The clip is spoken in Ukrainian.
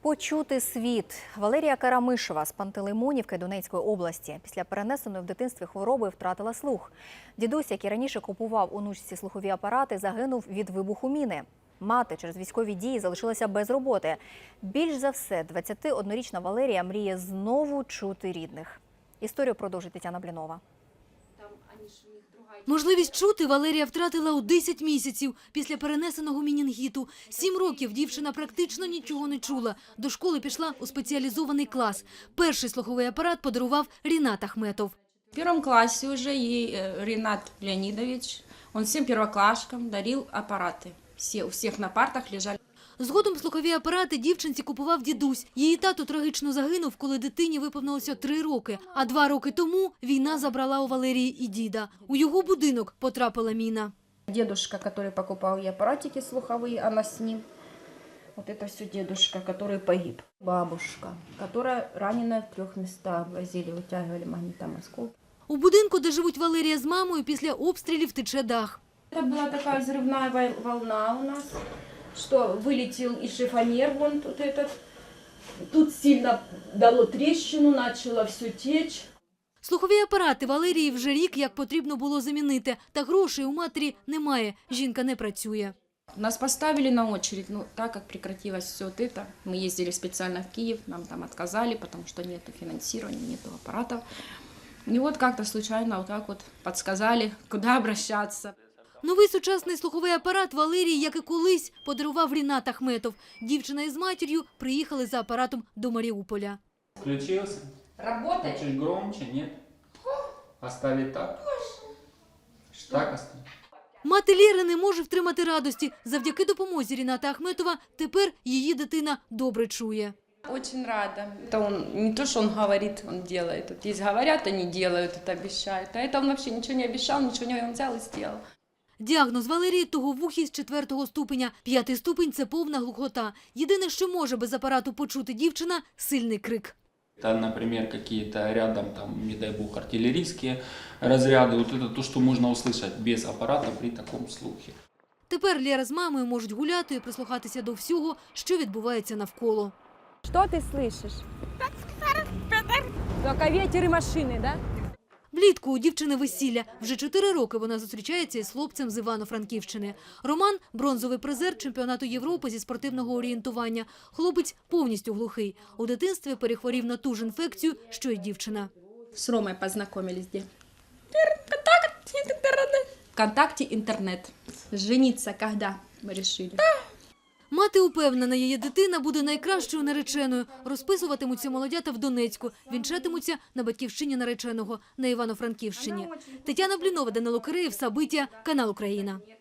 Почути світ. Валерія Карамишева з Пантелеймонівки Донецької області після перенесеної в дитинстві хвороби втратила слух. Дідусь, який раніше купував онучці слухові апарати, загинув від вибуху міни. Мати через військові дії залишилася без роботи. Більш за все, 21-річна Валерія мріє знову чути рідних. Історію продовжить Тетяна Блінова. Можливість чути Валерія втратила у 10 місяців після перенесеного менінгіту. 7 років дівчина практично нічого не чула. До школи пішла у спеціалізований клас. Перший слуховий апарат подарував Рінат Ахметов. В первом классе уже ей Ринат Леонидович, он всем первоклашкам дарил аппараты. У всех на партах лежали. Згодом слухові апарати дівчинці купував дідусь. Її тато трагічно загинув, коли дитині виповнилося 3 роки. А 2 роки тому війна забрала у Валерії і діда. У його будинок потрапила міна. Дедушка, который покупал ей аппаратики слуховые, она с ним. Вот это все дедушка, который погиб. Бабушка, которая ранена в 3 местах. Возили, вытягивали магнитом осколки. У будинку, де живуть Валерія з мамою, після обстрілів тече дах. Это была такая взрывная волна у нас, что вылетел и шифонер вон тут этот. Тут сильно дало трещину, начало все течь. Слухові апарати Валерії вже рік як потрібно було замінити. Та грошей у матері немає, жінка не працює. Нас поставили на очередь, но так как прекратилось все вот это, мы ездили специально в Киев, нам там отказали, потому что нету финансирования, нету аппаратов. И вот как-то случайно вот так вот подсказали, куда обращаться. Новий сучасний слуховий апарат Валерії, як і колись, подарував Рінат Ахметов. Дівчина із матір'ю приїхали за апаратом до Маріуполя. Включился? Работает? Чуть громче, нет? Оставить так? Так оставить. Мати Лєри не може втримати радості. Завдяки допомозі Ріната Ахметова тепер її дитина добре чує. Очень рада. Это он не то, что он говорит, он делает. Вот есть говорят, они делают, это обещают. А это он вообще ничего не обещал, ничего не он взял и сделал. Діагноз Валерії – туговухість 4-го ступеня. 5-й ступень – це повна глухота. Єдине, що може без апарату почути дівчина – сильний крик. Это, например, какие-то рядом, там, не дай бог, артиллерийские разряды. Вот это то, что можно услышать без аппарата при таком слухе. Тепер Лєра з мамою можуть гуляти і прислухатися до всього, що відбувається навколо. Что ты слышишь? Только ветер и машины, да? Влітку у дівчини весілля. Вже 4 роки вона зустрічається із хлопцем з Івано-Франківщини. Роман – бронзовий призер чемпіонату Європи зі спортивного орієнтування. Хлопець повністю глухий. У дитинстві перехворів на ту ж інфекцію, що й дівчина. С Ромой познакомились где? ВКонтакте интернет. Жениться когда мы решили? Мати упевнена, її дитина буде найкращою нареченою. Розписуватимуться молодята в Донецьку, вінчатимуться на батьківщині нареченого, на Івано-Франківщині. Тетяна Блінова, Данило Киреєв, Сабиття, канал Україна.